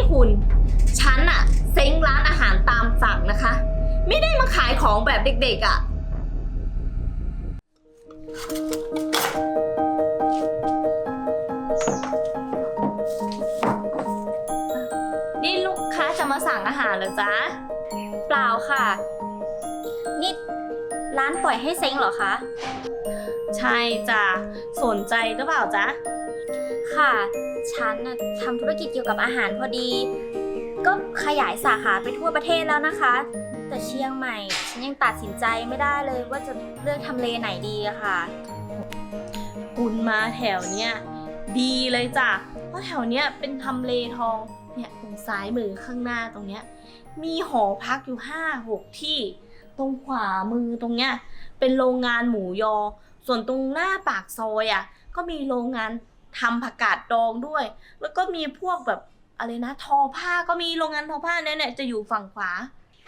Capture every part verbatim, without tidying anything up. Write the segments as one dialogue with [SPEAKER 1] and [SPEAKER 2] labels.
[SPEAKER 1] คุณฉันอะเซ้งร้านอาหารตามสั่งนะคะไม่ได้มาขายของแบบเด็กๆอะนี่ลูกค้าจะมาสั่งอาหารเหรอจ๊ะ
[SPEAKER 2] เปล่าค่ะนี่ร้านปล่อยให้เซ้งเหรอคะ
[SPEAKER 1] ใช่จ้ะสนใจหรือเปล่าจ๊ะ
[SPEAKER 2] ค่ะฉันนะทำธุรกิจเกี่ยวกับอาหารพอดีก็ขยายสาขาไปทั่วประเทศแล้วนะคะแต่เชียงใหม่ฉันยังตัดสินใจไม่ได้เลยว่าจะเลือกทำเลไหนดีอะค่ะ
[SPEAKER 1] คุณมาแถวเนี้ยดีเลยจ้ะเพราะแถวเนี้ยเป็นทำเลทองเนี่ยตรงซ้ายมือข้างหน้าตรงเนี้ยมีหอพักอยู่ห้าหกที่ตรงขวามือตรงเนี้ยเป็นโรงงานหมูยอส่วนตรงหน้าปากซอยอ่ะก็มีโรงงานทำผักกาดดองด้วยแล้วก็มีพวกแบบอะไรนะทอผ้าก็มีโรงงานทอผ้าเนี่ยเนี่ยจะอยู่ฝั่งขวา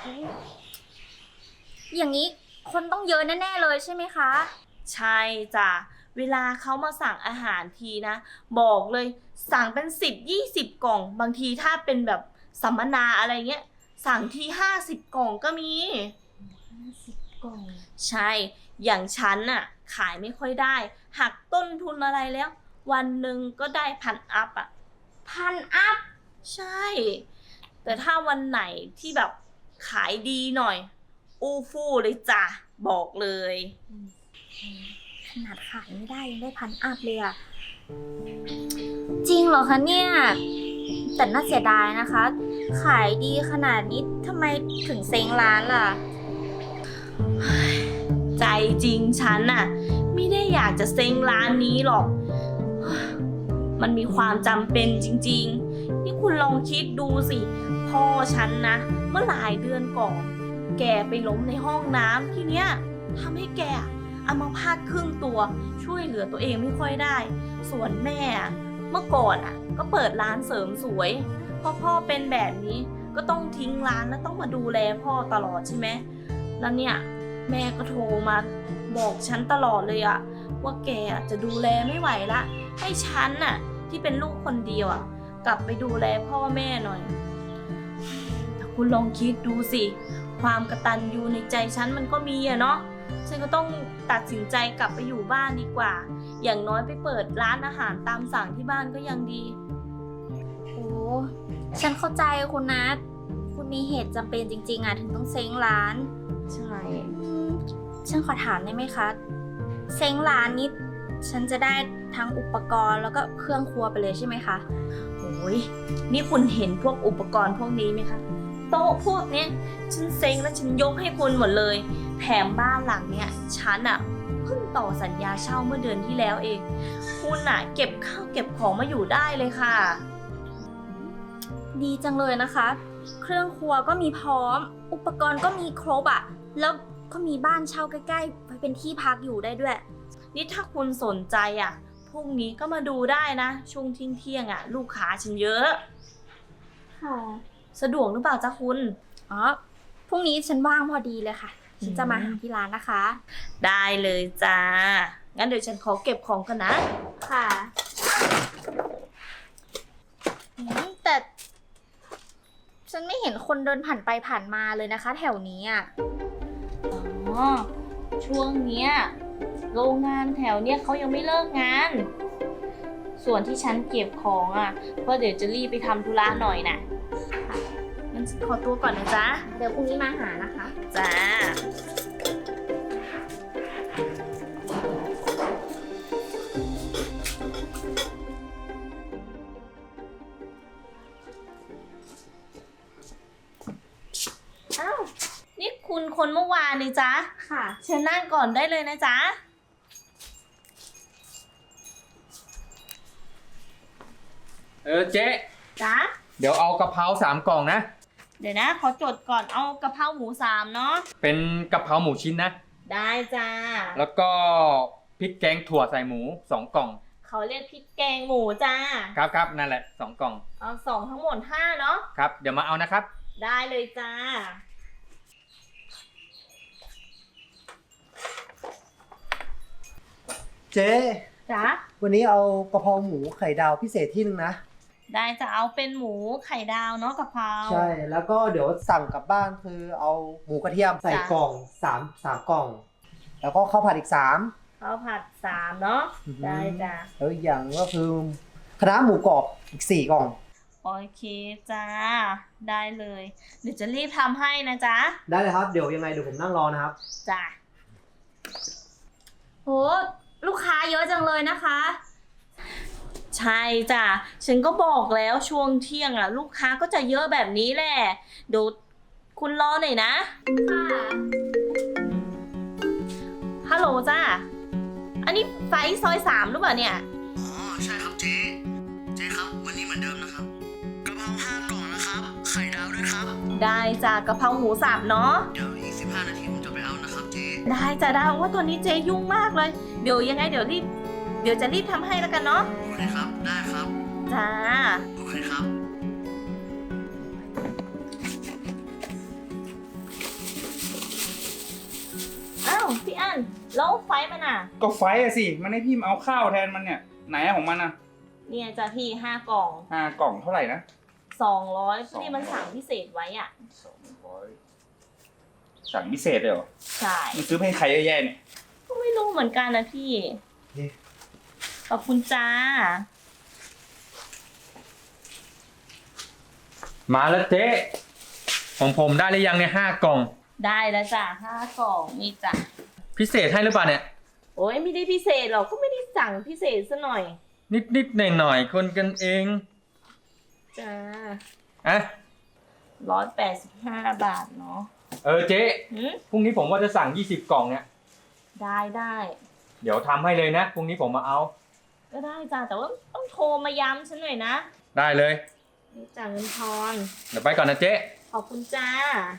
[SPEAKER 2] อย่างนี้คนต้องเยอะแน่ๆเลยใช่ไหมคะ
[SPEAKER 1] ใช่จ้ะเวลาเขามาสั่งอาหารทีนะบอกเลยสั่งเป็นสิบยี่สิบกล่องบางทีถ้าเป็นแบบสัมมนาอะไรเงี้ยสั่งทีห้าสิบกล่องก็มี
[SPEAKER 2] ห้าสิบกล่อง
[SPEAKER 1] ใช่อย่างฉันน่ะขายไม่ค่อยได้หักต้นทุนอะไรแล้ววันหนึ่งก็ได้พันอัพอ่ะ
[SPEAKER 2] พันอัพ
[SPEAKER 1] ใช่แต่ถ้าวันไหนที่แบบขายดีหน่อยอู้ฟู่เลยจ้ะบอกเลย
[SPEAKER 2] ขนาดขายไม่ได้ยังได้พันอัพเลยอะจริงเหรอคะเนี่ยแต่น่าเสียดายนะคะขายดีขนาดนี้ทำไมถึงเซ็งร้านล่ะ
[SPEAKER 1] ใจจริงฉันน่ะไม่ได้อยากจะเซ็งร้านนี้หรอกมันมีความจำเป็นจริงๆนี่คุณลองคิดดูสิพ่อฉันนะเมื่อหลายเดือนก่อนแกไปล้มในห้องน้ำที่เนี้ยทำให้แกอัมพาตครึ่งตัวช่วยเหลือตัวเองไม่ค่อยได้ส่วนแม่เมื่อก่อนอ่ะก็เปิดร้านเสริมสวยพอพ่อเป็นแบบนี้ก็ต้องทิ้งร้านแล้วต้องมาดูแลพ่อตลอดใช่ไหมแล้วเนี่ยแม่ก็โทรมาบอกฉันตลอดเลยอะว่าแกจะดูแลไม่ไหวละให้ฉันน่ะที่เป็นลูกคนเดียวอะกลับไปดูแลพ่อแม่หน่อยแต่คุณลองคิดดูสิความกตัญญูในใจฉันมันก็มีอะเนาะฉันก็ต้องตัดสินใจกลับไปอยู่บ้านดีกว่าอย่างน้อยไปเปิดร้านอาหารตามสั่งที่บ้านก็ยังดี
[SPEAKER 2] โอ้ฉันเข้าใจคุณนะคุณมีเหตุจำเป็นจริงๆอะถึงต้องเซ้งร้าน
[SPEAKER 1] ใช่
[SPEAKER 2] ฉันขอถามได้ไหมคะเซ้งร้านนี้ฉันจะได้ทั้งอุปกรณ์แล้วก็เครื่องครัวไปเลยใช่ไหมคะ
[SPEAKER 1] โอ้ยนี่คุณเห็นพวกอุปกรณ์พวกนี้ไหมคะโต๊ะพวกนี้ฉันเซ้งแล้วฉันยกให้คุณหมดเลยแถมบ้านหลังเนี้ยฉันอะเพิ่งต่อสัญญาเช่าเมื่อเดือนที่แล้วเองคุณอะเก็บข้าวเก็บของมาอยู่ได้เลยค่ะ
[SPEAKER 2] ดีจังเลยนะคะเครื่องครัวก็มีพร้อมอุปกรณ์ก็มีครบอะแล้วก็มีบ้านเช่าใกล้ๆไว้เป็นที่พักอยู่ได้ด้วย
[SPEAKER 1] นี่ถ้าคุณสนใจอ่ะพรุ่งนี้ก็มาดูได้นะช่วงเที่ยงเที่ยงอ่ะลูกค้าฉันเยอะ
[SPEAKER 2] ค่ะ
[SPEAKER 1] สะดวกหรือเปล่าจ๊ะคุณ
[SPEAKER 2] อ๋อพรุ่งนี้ฉันว่างพอดีเลยค่ะฉันจะมาหาที่ร้านนะคะ
[SPEAKER 1] ได้เลยจ้างั้นเดี๋ยวฉันขอเก็บของกันนะ
[SPEAKER 2] ค่ะแต่ฉันไม่เห็นคนเดินผ่านไปผ่านมาเลยนะคะแถวนี้อ่ะ
[SPEAKER 1] อ๋อช่วงเนี้ยโรงงานแถวเนี้ยเขายังไม่เลิกงานส่วนที่ฉันเก็บของอ่ะเพราะเดี๋ยวจะรีบไปทำธุระหน่อยน่ะงั้นฉันขอตัวก่อนนะจ๊ะ
[SPEAKER 2] เดี๋ยวพรุ่งนี้มาหานะคะ
[SPEAKER 1] จ้าอ้าวนี่คุณคนเมื่อวานนี่จ๊ะ
[SPEAKER 2] ค่ะ
[SPEAKER 1] เชิญนั่งก่อนได้เลยนะจ๊ะ
[SPEAKER 3] เออเจ๊
[SPEAKER 1] จ๊ะ
[SPEAKER 3] เดี๋ยวเอากะเพราสามกล่องนะ
[SPEAKER 1] เดี๋ยวนะขอจดก่อนเอากะเพราหมูสามเนาะ
[SPEAKER 3] เป็นกะเพราหมูชิ้นนะ
[SPEAKER 1] ได้จ้า
[SPEAKER 3] แล้วก็พริกแกงถั่วใส่หมูสองกล่อง
[SPEAKER 1] เขาเรียกพริกแกงหมูจ้า
[SPEAKER 3] ครับครับนั่นแหละสองกล่อง
[SPEAKER 1] เอาสองทั้งหมดห้าเนาะ
[SPEAKER 3] ครับเดี๋ยวมาเอานะครับ
[SPEAKER 1] ได้เลยจ้า
[SPEAKER 4] เจ๊
[SPEAKER 1] จ๊ะ
[SPEAKER 4] วันนี้เอากะเพราหมูไข่ดาวพิเศษที่นึงนะ
[SPEAKER 1] ได้จะเอาเป็นหมูไข่ดาวเนาะกะเพรา
[SPEAKER 4] ใช่แล้วก็เดี๋ยวสั่งกลับบ้านคือเอาหมูกระเทียมใส่
[SPEAKER 1] จ้ะ
[SPEAKER 4] กล่องสามสามกล่อง แล้วก็ข้าวผัดอีกสาม
[SPEAKER 1] ข้าวผัดสามเนาะ
[SPEAKER 4] อือหือ
[SPEAKER 1] ได้จ้ะ
[SPEAKER 4] แล้วอีกอย่างก็คือคณะน้าหมูกรอบอีกสี่กล่อง
[SPEAKER 1] โอเคจ้าได้เลย เดี๋ยวจะรีบทำให้นะจ๊ะ
[SPEAKER 4] ได้เลยครับเดี๋ยวยังไงเดี๋ยวผมนั่งรอนะครับ
[SPEAKER 1] จ้ะ
[SPEAKER 2] โหลูกค้าเยอะจังเลยนะคะ
[SPEAKER 1] ใช่จ้ะฉันก็บอกแล้วช่วงเที่ยงอ่ะ ลูกค้าก็จะเยอะแบบนี้แหละเดี๋ยวคุณรอหน่อยนะ
[SPEAKER 2] ค่ะ
[SPEAKER 1] ฮัลโหลจ้าอันนี้ไฟซอยสามหรือเปล่าเนี่ย
[SPEAKER 5] อ๋อใช่ครับเจ๊เจ๊ครับวันนี้เหมือนเดิมนะครับกะเพราห้ากล่องนะครับไข่ดาวด้วยครับ
[SPEAKER 1] ได้จ้ะกะเพราหมูสับเนาะ
[SPEAKER 5] เดี๋ยวอีกสิบห้านาทีผมจะไปเอานะครับเจ๊
[SPEAKER 1] ได้จ้ะได้ว่าตอนนี้เจยุ่งมากเลย เดี๋ยวยังไงเดี๋ยวรีบเดี๋ยวจะรีบทำให้แล้วกันเนาะ
[SPEAKER 5] โอเคครับได้ครับ
[SPEAKER 1] จ้า
[SPEAKER 5] โอเคครับ
[SPEAKER 1] อ้าวพี่อันแล้วไฟมันอ่ะ
[SPEAKER 3] ก็ไฟอะสิ มันให้พี่มาเอาข้าวแทนมันเนี่ย ไหนอะของมันอะ
[SPEAKER 1] เนี่ยจ้ะพี่ห้ากล่อง
[SPEAKER 3] ห้ากล่องเท่าไหร่นะ
[SPEAKER 1] สองร้อย
[SPEAKER 3] สองร้อย
[SPEAKER 1] ที่มันสั่งพิเศษไว้อ่ะ
[SPEAKER 3] สองร้อยสั่งพิเศษเลยเหรอ
[SPEAKER 1] ใช่
[SPEAKER 3] มันซื้อไปให้ใครเยอะแยะเนี่ย
[SPEAKER 1] ก็ไม่รู้เหมือนกันนะพี่
[SPEAKER 4] นี่
[SPEAKER 1] ขอบคุณจ้า
[SPEAKER 3] มาแล้วเจ๊ของผมได้หรือยังเนี่ยห้ากล่อง
[SPEAKER 1] ได้แล้วจ้ะห้ากล่องนี่จ้ะ
[SPEAKER 3] พิเศษให้หรือเปล่าเนี่ย
[SPEAKER 1] โอ้ยไม่ได้พิเศษหรอกก็ไม่ได้สั่งพิเศษซะหน่อย
[SPEAKER 3] นิดนิดหน่อยหน่อยๆคนกันเอง
[SPEAKER 1] จ้า
[SPEAKER 3] อะ
[SPEAKER 1] ร้อยแปดสิบห้าบาทเนาะ
[SPEAKER 3] เออเจ๊
[SPEAKER 1] หืม
[SPEAKER 3] พรุ่งนี้ผมว่าจะสั่งยี่สิบกล่องเนี่ย
[SPEAKER 1] ได้ได้
[SPEAKER 3] เดี๋ยวทำให้เลยนะ พรุ่งนี้ผมมาเอา
[SPEAKER 1] ก็ได้จ้าแต่ว่าต้องโทรมาย้ำฉันหน่อยนะ
[SPEAKER 3] ได้เลย
[SPEAKER 1] นี่จ่ายเงินทอน
[SPEAKER 3] เดี๋ยวไปก่อนนะเจ๊
[SPEAKER 1] ขอบคุณจ้า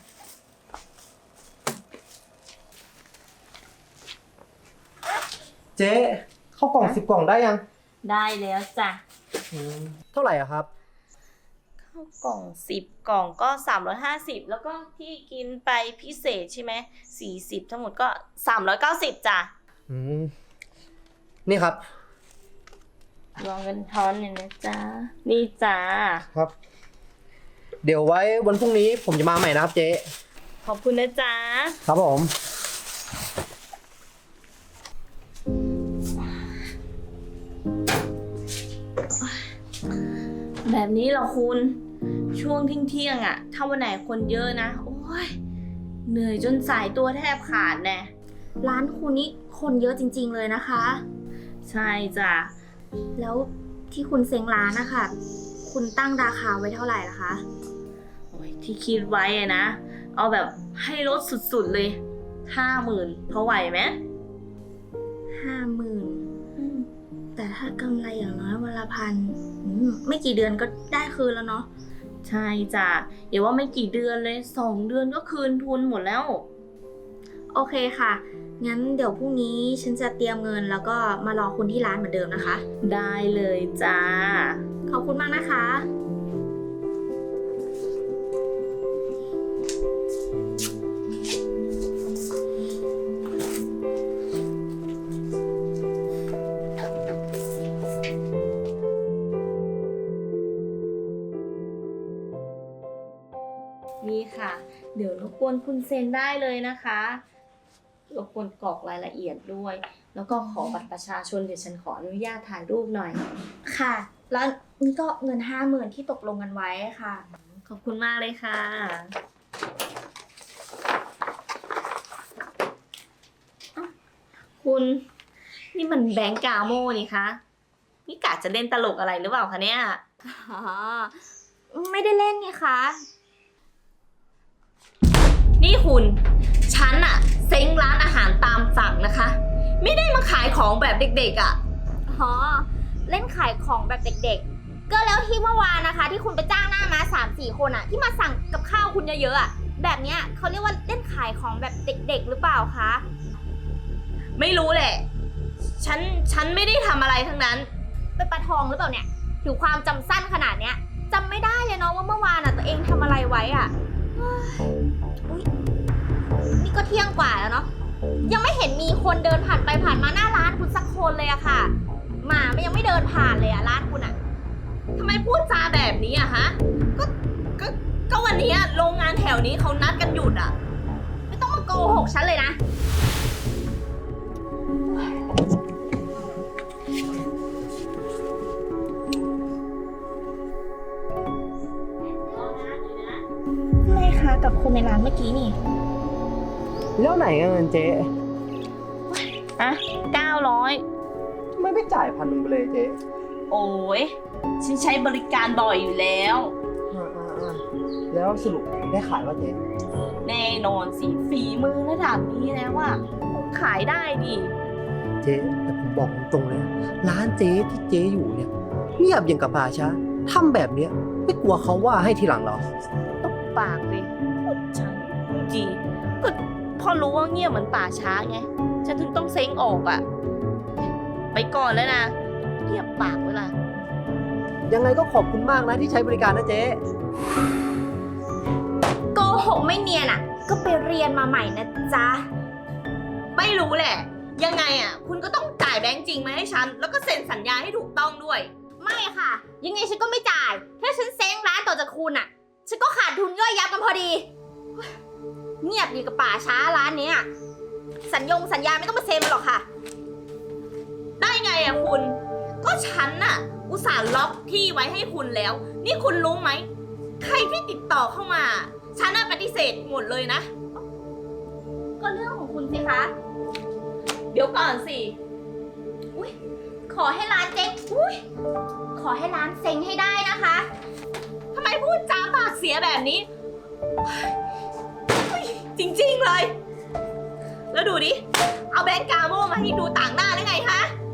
[SPEAKER 4] เจ๊ข้าวกล่องสิบกล่องได้ยัง
[SPEAKER 1] ได้แล้วจ้ะ
[SPEAKER 4] อืมเท่าไหร่อะครับ
[SPEAKER 1] ข้าวกล่องสิบกล่องก็สามร้อยห้าสิบแล้วก็ที่กินไปพิเศษใช่ไหมสี่สิบทั้งหมดก็สามร้อยเก้าสิบจ้ะ
[SPEAKER 4] อืมนี่ครับ
[SPEAKER 1] รอเงินทอนหน่อยนะจ๊ะนี่จ้า
[SPEAKER 4] ครับ เดี๋ยวไว้วันพรุ่งนี้ผมจะมาใหม่นะครับเจ๊
[SPEAKER 1] ขอบคุณนะจ๊ะ
[SPEAKER 4] ครับผม
[SPEAKER 1] แบบนี้เหรอคุณช่วงเที่ยงๆอ่ะ ถ้าวันไหนคนเยอะนะโอ้ยเหนื่อยจนสายตัวแทบขาดแน่
[SPEAKER 2] ร้านคุณนี่คนเยอะจริงๆเลยนะคะ
[SPEAKER 1] ใช่จ้ะ
[SPEAKER 2] แล้วที่คุณเซ็งร้านนะคะคุณตั้งราคาไว้เท่าไหร่ล่ะคะ
[SPEAKER 1] โอ้ยที่คิดไว้อะนะ เอาแบบให้ลดสุดๆเลยห้าหมื่นพอไหวไหม
[SPEAKER 2] ห้าหมื่นแต่ถ้ากำไรอย่างน้อยวันละพันอืมไม่กี่เดือนก็ได้คืนแล้วเนาะ
[SPEAKER 1] ใช่จ้ะอย่าว่าไม่กี่เดือนเลยสองเดือนก็คืนทุนหมดแล้ว
[SPEAKER 2] โอเคค่ะ งั้นเดี๋ยวพรุ่งนี้ฉันจะเตรียมเงินแล้วก็มารอคุณที่ร้านเหมือนเดิมนะคะ
[SPEAKER 1] ได้เลยจ้า
[SPEAKER 2] ขอบคุณมากนะคะ
[SPEAKER 1] นี่ค่ะ เดี๋ยวรบกวนคุณเซ็นได้เลยนะคะรบกวนกรอกรายละเอียดด้วย แล้วก็ขอบัตรประชาชนเดี๋ยวฉันขออนุญาตถ่ายรูปหน่อย
[SPEAKER 2] ค่ะ แล้วนี่ก็เงินห้าหมื่นที่ตกลงกันไว้ค่ะ
[SPEAKER 1] ขอบคุณมากเลยค่ะอ้าวคุณนี่มันแบงก์กาโมนี่คะนี่กะจะเล่นตลกอะไรหรือเปล่าคะเนี่ย
[SPEAKER 2] อ๋อ ไม่ได้เล่นไงคะ
[SPEAKER 1] นี่คุณฉันอะเซ้งร้านอาหารตามสั่งนะคะ ไม่ได้มาขายของแบบเด็กๆอะ
[SPEAKER 2] อ๋อ เล่นขายของแบบเด็กๆ ก็แล้วที่เมื่อวานนะคะ ที่คุณไปจ้างหน้ามาสามสี่คนอะที่มาสั่งกับข้าวคุณเยอะๆอะแบบเนี้ยเขาเรียกว่าเล่นขายของแบบเด็กๆ หรือเปล่าคะ
[SPEAKER 1] ไม่รู้แหละ ฉันฉันไม่ได้ทำอะไรทั้งนั้น
[SPEAKER 2] เป็นปลาทองหรือเปล่าเนี่ยถือความจำสั้นขนาดเนี้ยจำไม่ได้เลยเนาะว่าเมื่อวานอะตัวเองทำอะไรไว้อะเฮ้ยอุ๊ยนี่ก็เที่ยงกว่าแล้วเนาะยังไม่เห็นมีคนเดินผ่านไปผ่านมาหน้าร้านคุณสักคนเลยอะค่ะหมามันยังไม่เดินผ่านเลยอะร้านคุณอะ
[SPEAKER 1] ทำไมพูดจาแบบนี้อะฮะ ก็ ก็ ก็วันนี้โรงงานแถวนี้เขานัดกันหยุดอะ
[SPEAKER 2] ไม่ต้องมาโกหกฉันเลยนะ ไม่ค่ะกับคนในร้านเมื่อกี้นี่
[SPEAKER 4] แล้วไหนเงินเจ๊
[SPEAKER 1] อะเก้าร้อย
[SPEAKER 4] ทำไมไม่จ่ายพันหนึ่งไปเลยเจ๊
[SPEAKER 1] โอ้ยฉันใช้บริการบ่อยอยู่แล้ว
[SPEAKER 4] อ่าๆๆแล้วสรุปได้ขายว่าเจ๊
[SPEAKER 1] แน่นอนสิฝีมือระดับนี้แล้วว่าขายได้ดิ
[SPEAKER 4] เจ๊แต่ผมบอกตรงๆเลยนะร้านเจ๊ที่เจ๊อยู่เนี่ยเงียบอย่างกับป่าช้าทำแบบเนี้ยไม่กลัวเขาว่าให้ทีหลังเหรอ
[SPEAKER 1] ตบปากเลยพูดฉันจีก็พอรู้ว่าเงียบเหมือนป่าช้าไงฉันถึงต้องเซ็งออกอะไปก่อนแล้วนะเงียบปากไว้ล่ะ
[SPEAKER 4] ยังไงก็ขอบคุณมากนะที่ใช้บริการนะเจ๊
[SPEAKER 2] โกหกไม่เนียนอ่ะ ก็ไปเรียนมาใหม่นะจ๊ะ
[SPEAKER 1] ไม่รู้แหละ ยังไงอะคุณก็ต้องจ่ายแบงค์จริงมาให้ฉัน แล้วก็เซ็นสัญญาให้ถูกต้องด้วย
[SPEAKER 2] ไม่ค่ะ ยังไงฉันก็ไม่จ่าย ถ้าฉันเซ้งร้านต่อจากคุณอ่ะ ฉันก็ขาดทุนย่อยยับกันพอดี เงียบดีกับป่าช้าร้านเนี้ยสัญญงสัญญาไม่ต้องมาเซ็นมาหรอกค่ะ
[SPEAKER 1] ได้ไงอะคุณ ก็ฉันน่ะ อุตส่าห์ล็อกที่ไว้ให้คุณแล้ว นี่คุณรู้ไหม ใครที่ติดต่อเข้ามา ฉันน่ะปฏิเสธหมดเลยนะ
[SPEAKER 2] ก็เรื่องของคุณสิคะ
[SPEAKER 1] เดี๋ยวก่อนสิ
[SPEAKER 2] อุ้ยขอให้ร้านเจ๊งอุ้ยขอให้ร้านเซ็งให้ได้นะคะ
[SPEAKER 1] ทำไมพูดจาปากเสียแบบนี้เฮ้ยจริงๆเลย แล้วดูดิ เอาแบงก์กาโมมาให้ดูต่างหน้าได้ไงคะ
[SPEAKER 2] โ